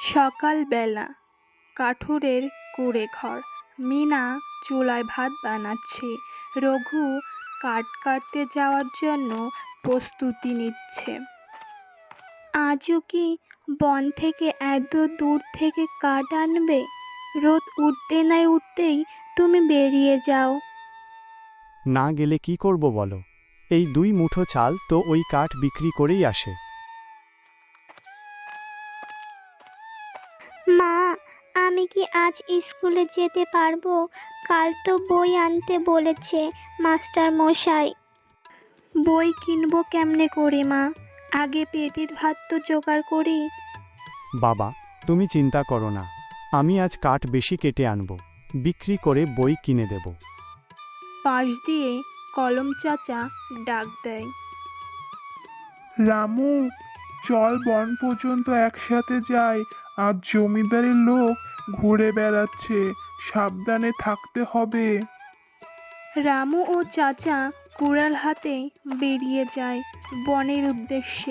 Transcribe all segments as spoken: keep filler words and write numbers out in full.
সকালবেলা কাঠুরের কুঁড়ে ঘর। মিনা চুলায় ভাত বানাচ্ছে, রঘু কাঠ কাটতে যাওয়ার জন্য প্রস্তুতি নিচ্ছে। আজও কি বন থেকে এত দূর থেকে কাঠ আনবে? রোদ উঠতে না উঠতেই তুমি বেরিয়ে যাও। না গেলে কি করব বলো? এই দুই মুঠো চাল তো ওই কাঠ বিক্রি করেই আসে। মা, আমি কি আজ স্কুলে যেতে পারবো? কাল তো বই আনতে বলেছে মাস্টার মশাই। বই কিনবো কেমনে করে মা? আগে পেটের ভাত তো জোগাড় করি। বাবা, তুমি চিন্তা করো না, আমি আজ কাঠ বেশি কেটে আনব, বিক্রি করে বই কিনে দেব। পাশ দিয়ে কলম চাচা ডাক দেয়। রামু, চল বন পর্যন্ত একসাথে যাই। আজ জমিদারের লোক ঘুরে বেড়াচ্ছে, সাবধানে থাকতে হবে। রামু ও চাচা কুড়াল হাতে বেরিয়ে যায় বনের উদ্দেশ্যে।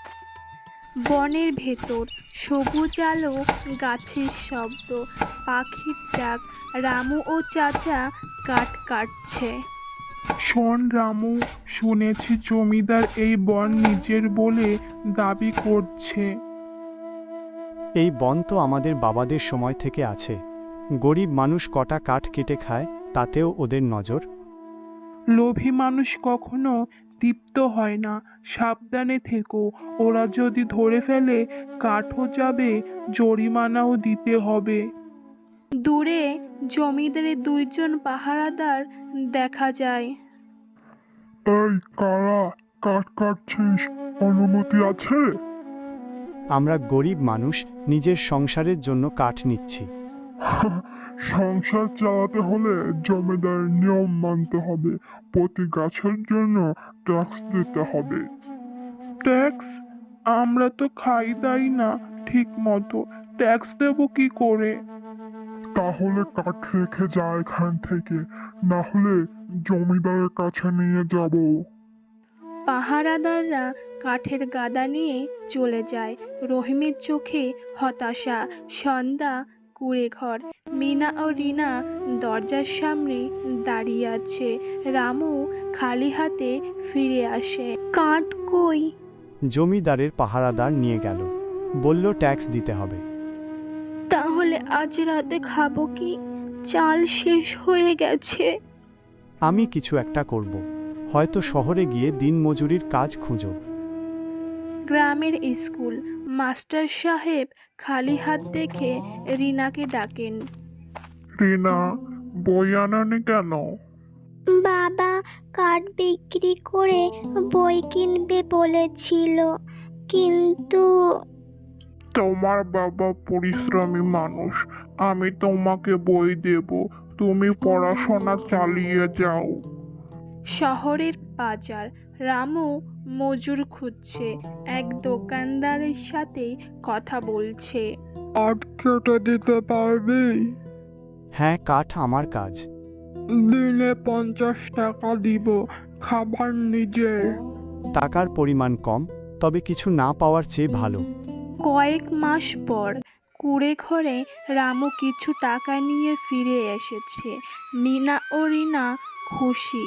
বনের ভেতর সবুজ আলো, গাছের শব্দ, পাখির ডাক। রামু ও চাচা কাঠ কাটছে। শোন রামু, শুনেছি জমিদার এই বন নিজের বলে দাবি করছে। এই বন তো আমাদের বাবাদের সময় থেকে আছে। গরিব মানুষ কটা কাঠ কেটে খায়, তাতেও ওদের নজর। লোভী মানুষ কখনো তৃপ্ত হয় না। সাবধানে থেকো, ওরা যদি ধরে ফেলে কাঠও যাবে, জরিমানাও দিতে হবে। দূরে জমিদারের দুইজন পাহারাদার দেখা যায়। এই কারা? কাঠ কাটছিস? অনুমতি আছে? আমরা গরিব মানুষ, নিজের সংসারের জন্য কাঠ নিচ্ছি। সংসার চালাতে হলে জমিদারের নিয়ম মানতে হবে। প্রতি গাছের জন্য ট্যাক্স দিতে হবে। ট্যাক্স? আমরা তো খাই দাই না ঠিক মতো, ট্যাক্স দেবো কি করে? তাহলে কাঠ রেখে যা এখান থেকে, না হলে জমিদারের কাছে নিয়ে যাব। পাহারাদাররা কাঠের গাদা নিয়ে চলে যায়। রহিমের চোখে হতাশা। সন্ধ্যা, কুঁড়ে ঘর। মিনা ও রিনা দরজার সামনে দাঁড়িয়ে আছে। রামু খালি হাতে ফিরে আসে। কাঠ কই? জমিদারের পাহারাদার নিয়ে গেল, বলল ট্যাক্স দিতে হবে। তাহলে আজ রাতে খাবো কি? চাল শেষ হয়ে গেছে। আমি কিছু একটা করব, হয়তো শহরে গিয়ে দিনমজুরির কাজ খুঁজব। গ্রামের স্কুল। মাস্টার সাহেব খালি হাত দেখে রিনাকে ডাকেন। রিনা, বই আনানি কেন? বাবা কাঠ বিক্রি করে বই কিনবে বলেছিল, কিন্তু তোমার বাবা পরিশ্রমী মানুষ, আমি তোমাকে বই দেব, তুমি পড়াশোনা চালিয়ে যাও। শহরের বাজার। রামু মজুর খুঁজছে। এক দোকানদারের সাথে কথা বলছে। কাঠ কেটে দিতে পারবি? হ্যাঁ, কাঠ আমার কাজ। দিনে পঞ্চাশ টাকা দিব, খাবার নিজের। টাকার পরিমাণ কম, তবে কিছু না পাওয়ার চেয়ে ভালো। কয়েক মাস পর কুঁড়ে ঘরে রামু কিছু টাকা নিয়ে ফিরে এসেছে। মিনা ও রিনা খুশি।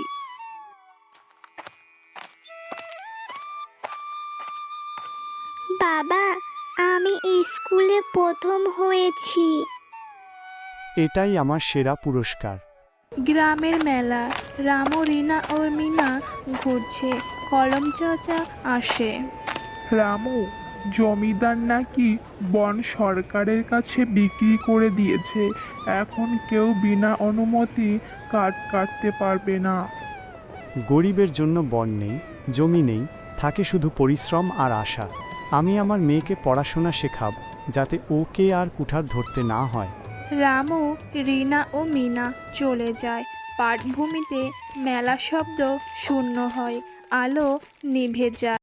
বাবা, আমি স্কুলে প্রথম হয়েছি। এটাই আমার সেরা পুরস্কার। গ্রামের মেলা। রামু, রিনা ও মিনা ঘুরছে। কলম চাচা আসে। রামু, জমিদার নাকি বন সরকারের কাছে বিক্রি করে দিয়েছে। এখন কেউ বিনা অনুমতি কাঠ কাটতে পারবে না। গরিবের জন্য বন নেই, জমি নেই, থাকে শুধু পরিশ্রম আর আশা। আমি আমার মেয়েকে পড়াশোনা শেখাব, যাতে ওকে আর কুঠার ধরতে না হয়। রামু, রিনা ও মিনা চলে যায়। পাটভূমিতে মেলা শব্দ শূন্য হয়, আলো নিভে যায়।